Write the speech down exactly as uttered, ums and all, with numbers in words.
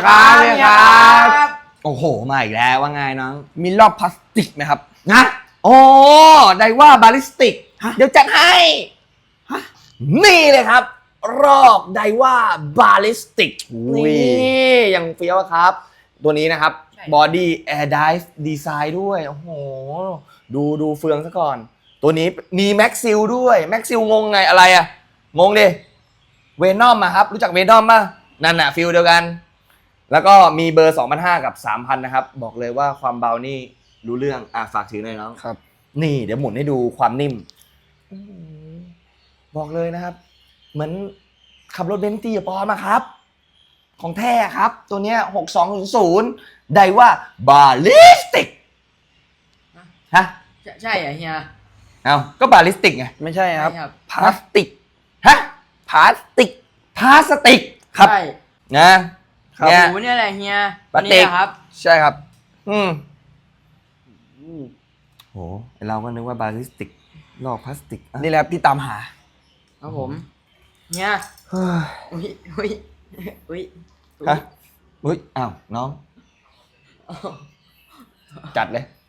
ครับเฮียครับโอ้โหมาอีกแล้วว่าไงน้องมีรอบพลาสติกไหมครับนะโอ้ไดว่าบาลิสติกเดี๋ยวจัดให้นี่เลยครับ รอบไดว่าบาลิสติกอุ้ยนี่ยังเฟี้ยวครับ ตัวนี้นะครับบอดี้แอร์ไดฟ์ดีไซน์ด้วย โอ้โห ดูดูเฟืองซะก่อน ตัวนี้มีแม็กซิลด้วยแม็กซิลงงไงอะไรอะงงดิเวนอมอะครับ รู้จักเวนอมป่ะนั่นน่ะฟิลเดียวกัน แล้วก็มีเบอร์ สองพันห้าร้อย กับ สามพัน นะครับ บอกเลยว่าความเบานี่รู้เรื่องอ่ะฝากถือหน่อยน้องครับนี่เดี๋ยวหมุนให้ดูความนิ่มบอกเลยนะครับ เหมือนขับรถเบนซ์ตีปอมาครับ ของแท้ครับ ตัวเนี้ยหกสองศูนย์ศูนย์ได้ว่าบาลิสติกฮะใช่เหรอเฮียเอาก็บาลิสติกไงไม่ใช่ครับใช่ครับพลาสติกฮะพลาสติกพลาสติกครับใช่นะครับ เนี่ยโอ้เนี่ยแหละเฮียพลาสติกนี่แหละครับใช่ครับอืมโหเราก็นึกว่าบาลิสติกลอกพลาสติกอ่ะนี่แหละครับที่ตามหาครับผมเฮียเฮ้ยอุ้ยอุ้ยอุ้ยฮะอุ้ยอ้าวน้อง จัดเลย